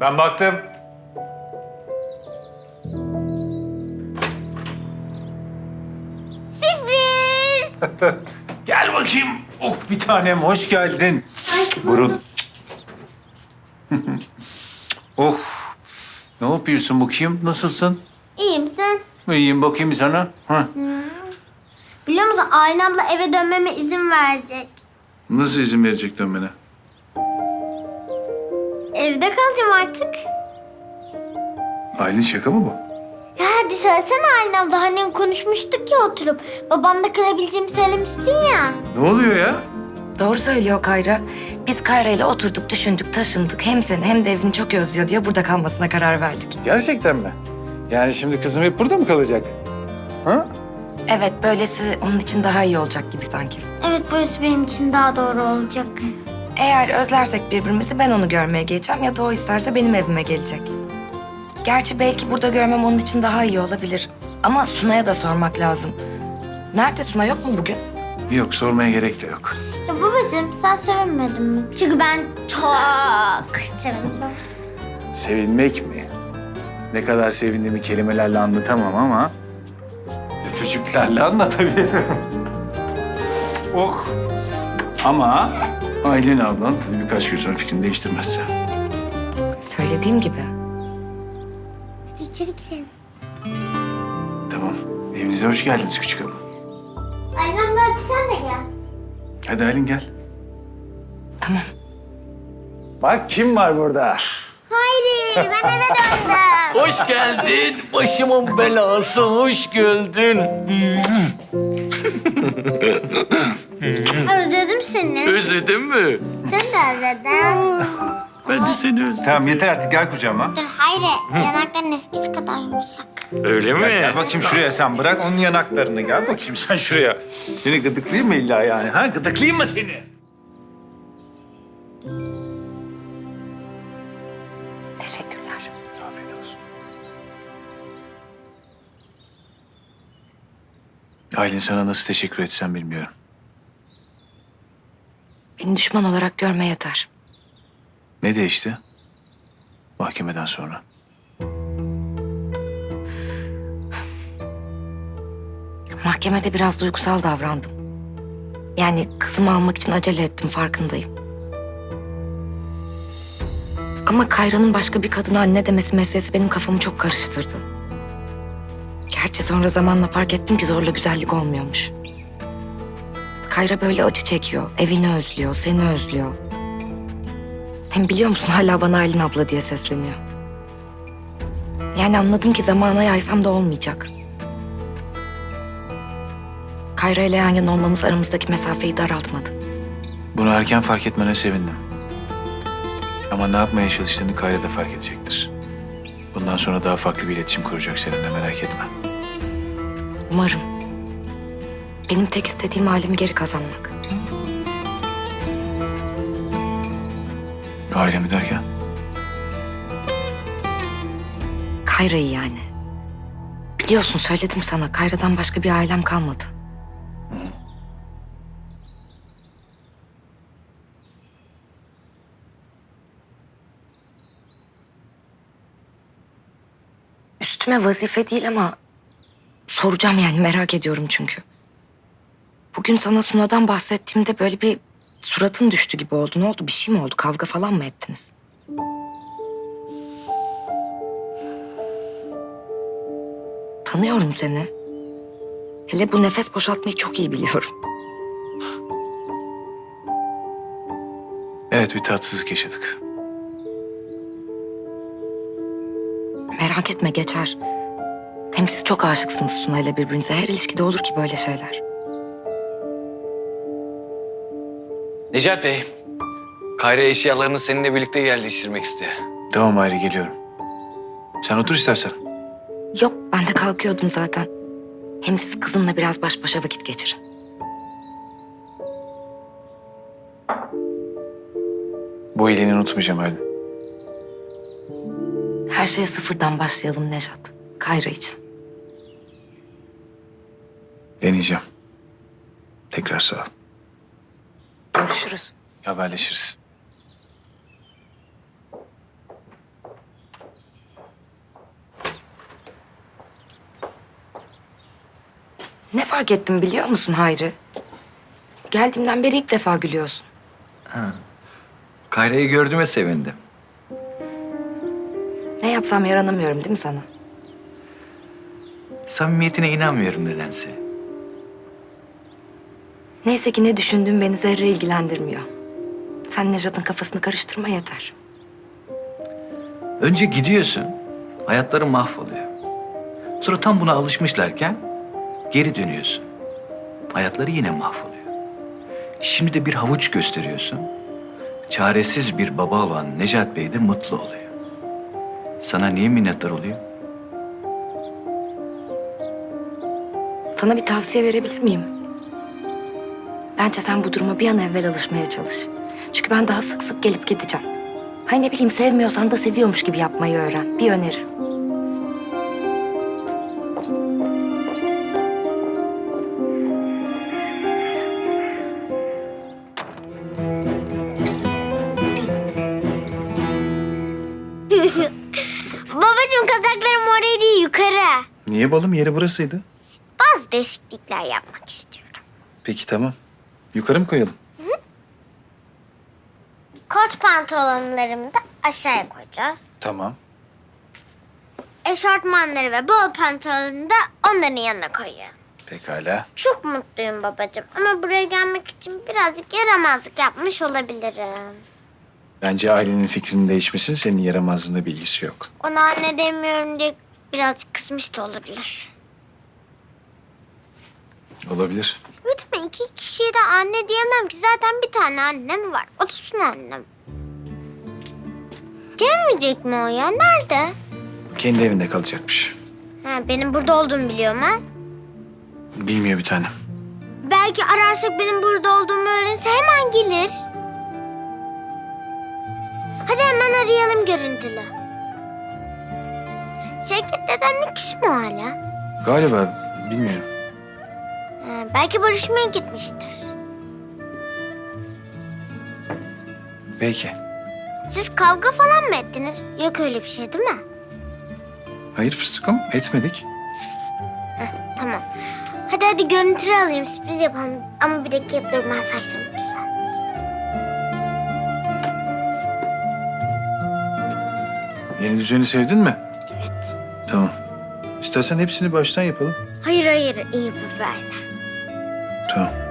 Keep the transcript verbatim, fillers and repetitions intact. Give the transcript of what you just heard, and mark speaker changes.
Speaker 1: Ben baktım.
Speaker 2: Sürpriz!
Speaker 1: Gel bakayım. Oh bir tanem hoş geldin. Burun. Oh. Ne yapıyorsun bakayım? Nasılsın?
Speaker 2: İyiyim sen?
Speaker 1: İyiyim bakayım sana. Ha.
Speaker 2: Biliyor musun Aylin abla eve dönmeme izin verecek.
Speaker 1: Nasıl izin verecek dönmene?
Speaker 2: Evde kalacağım artık.
Speaker 1: Aylin şaka mı bu?
Speaker 2: Ya hadi söylesene Aylin abla. Hani konuşmuştuk ya oturup. Babamda kalabileceğimi söylemiştin ya.
Speaker 1: Ne oluyor ya?
Speaker 3: Doğru söylüyor Kayra. Biz Kayra ile oturduk, düşündük, taşındık. Hem seni hem de evini çok özlüyor diye burada kalmasına karar verdik.
Speaker 1: Gerçekten mi? Yani şimdi kızım hep burada mı kalacak? Ha?
Speaker 3: Evet, böylesi onun için daha iyi olacak gibi sanki.
Speaker 2: Evet burası benim için daha doğru olacak.
Speaker 3: Eğer özlersek birbirimizi ben onu görmeye geleceğim ya da o isterse benim evime gelecek. Gerçi belki burada görmem onun için daha iyi olabilir. Ama Suna'ya da sormak lazım. Nerede Suna, yok mu bugün?
Speaker 1: Yok sormaya gerek de yok.
Speaker 2: Ya babacığım sen sevinmedin mi? Çünkü ben çok sevindim.
Speaker 1: Sevinmek mi? Ne kadar sevindiğimi kelimelerle anlatamam ama... öpücüklerle anlatabilirim. Oh! Ama Aylin ablan tabii birkaç gün sonra fikrini değiştirmezse.
Speaker 3: Söylediğim gibi.
Speaker 2: Hadi içeri girelim.
Speaker 1: Tamam. Evinize hoş geldiniz küçük hanım.
Speaker 2: Aylin abla hadi sen de gel.
Speaker 1: Hadi Aylin gel.
Speaker 3: Tamam.
Speaker 1: Bak kim var burada?
Speaker 2: Haydi ben eve döndüm.
Speaker 4: Hoş geldin. Başımın belası. Hoş geldin.
Speaker 2: Özledim seni.
Speaker 4: Özledin mi?
Speaker 2: Seni de özledim.
Speaker 4: Ben de seni özledim.
Speaker 1: Tamam yeter artık gel kucağıma.
Speaker 2: Dur Hayri yanakların eskisi kadar yumuşak.
Speaker 4: Öyle mi?
Speaker 1: Gel bakayım şuraya sen bırak onun yanaklarını. Gel bakayım sen şuraya. Seni gıdıklayayım mı illa yani? Ha? Gıdıklayayım mı seni?
Speaker 3: Teşekkürler.
Speaker 1: Afiyet olsun. Aylin sana nasıl teşekkür etsem bilmiyorum.
Speaker 3: Beni düşman olarak görme yeter.
Speaker 1: Ne değişti? Mahkemeden sonra.
Speaker 3: Mahkemede biraz duygusal davrandım. Yani kızımı almak için acele ettim, farkındayım. Ama Kayra'nın başka bir kadına anne demesi meselesi benim kafamı çok karıştırdı. Gerçi sonra zamanla fark ettim ki zorla güzellik olmuyormuş. Kayra böyle acı çekiyor, evini özlüyor, seni özlüyor. Hem biliyor musun hala bana Aylin abla diye sesleniyor. Yani anladım ki zamana yaysam da olmayacak. Kayra ile yan yana olmamız aramızdaki mesafeyi daraltmadı.
Speaker 1: Bunu erken fark etmene sevindim. Ama ne yapmaya çalıştığını Kayra da fark edecektir. Bundan sonra daha farklı bir iletişim kuracak seninle, merak etme.
Speaker 3: Umarım. Benim tek istediğim ailemi geri kazanmak.
Speaker 1: Ailemi derken?
Speaker 3: Kayra'yı yani. Biliyorsun söyledim sana, Kayra'dan başka bir ailem kalmadı. Üstüme vazife değil ama soracağım yani, merak ediyorum çünkü. Bugün sana Suna'dan bahsettiğimde böyle bir suratın düştü gibi oldu. Ne oldu? Bir şey mi oldu? Kavga falan mı ettiniz? Tanıyorum seni. Hele bu nefes boşaltmayı çok iyi biliyorum.
Speaker 1: Evet, bir tatsızlık yaşadık.
Speaker 3: Merak etme, geçer. Hem siz çok aşıksınız Suna ile birbirinize. Her ilişkide olur ki böyle şeyler.
Speaker 4: Necat Bey, Kayra eşyalarını seninle birlikte yerleştirmek istiyor.
Speaker 1: Tamam Ayrı, geliyorum. Sen otur istersen.
Speaker 3: Yok, ben de kalkıyordum zaten. Hem siz kızınla biraz baş başa vakit geçirin.
Speaker 1: Bu iyiliğini unutmayacağım Aylin.
Speaker 3: Her şeye sıfırdan başlayalım Nejat. Kayra için.
Speaker 1: Deneyeceğim. Tekrar sağ ol.
Speaker 3: Görüşürüz.
Speaker 1: Haberleşiriz.
Speaker 3: Ne fark ettim biliyor musun Hayri? Geldiğimden beri ilk defa gülüyorsun.
Speaker 4: Kayra'yı gördüğüme sevindim.
Speaker 3: Ne yapsam yaranamıyorum değil mi sana?
Speaker 4: Samimiyetine inanmıyorum nedense.
Speaker 3: Neyse ki ne düşündüğüm beni zerre ilgilendirmiyor. Sen Nejat'ın kafasını karıştırma yeter.
Speaker 4: Önce gidiyorsun, hayatları mahvoluyor. Sonra tam buna alışmışlarken geri dönüyorsun. Hayatları yine mahvoluyor. Şimdi de bir havuç gösteriyorsun. Çaresiz bir baba olan Necat Bey de mutlu oluyor. Sana niye minnettar oluyor?
Speaker 3: Sana bir tavsiye verebilir miyim? Bence sen bu duruma bir an evvel alışmaya çalış. Çünkü ben daha sık sık gelip gideceğim. Hay ne bileyim sevmiyorsan da seviyormuş gibi yapmayı öğren. Bir öneri.
Speaker 2: Babacığım kazaklarım oraya değil yukarı.
Speaker 1: Niye balım? Yeri burasıydı.
Speaker 2: Bazı değişiklikler yapmak istiyorum.
Speaker 1: Peki tamam. Yukarı mı koyalım?
Speaker 2: Kot pantolonlarımı da aşağıya koyacağız.
Speaker 1: Tamam.
Speaker 2: Eşortmanları ve bol pantolonu da onların yanına koyuyorum.
Speaker 1: Pekala.
Speaker 2: Çok mutluyum babacığım ama buraya gelmek için birazcık yaramazlık yapmış olabilirim.
Speaker 1: Bence ailenin fikrinin değişmesinin senin yaramazlığında bir ilgisi yok.
Speaker 2: Ona anne demiyorum diye birazcık kızmış da olabilir.
Speaker 1: Olabilir.
Speaker 2: Evet ama iki kişiye de anne diyemem ki. Zaten bir tane annem var. O da Sunu annem. Gelmeyecek mi o ya? Nerede?
Speaker 1: Kendi evinde kalacakmış.
Speaker 2: Ha, benim burada olduğumu biliyor mu?
Speaker 1: Bilmiyor bir tane.
Speaker 2: Belki ararsak benim burada olduğumu öğrense hemen gelir. Hadi hemen arayalım görüntülü. Şevket dedemle küs mü hala?
Speaker 1: Galiba bilmiyorum.
Speaker 2: Ha, belki barışmaya gitmiştir.
Speaker 1: Belki.
Speaker 2: Siz kavga falan mı ettiniz? Yok öyle bir şey değil mi?
Speaker 1: Hayır fıstıkım etmedik.
Speaker 2: Heh, tamam. Hadi hadi görüntülü alayım sürpriz yapalım. Ama bir dakika dur ben saçlarımı düzelteyim.
Speaker 1: Yeni düzeni sevdin mi?
Speaker 2: Evet.
Speaker 1: Tamam. İstersen hepsini baştan yapalım.
Speaker 2: Hayır hayır iyi bu böyle.
Speaker 1: Tamam.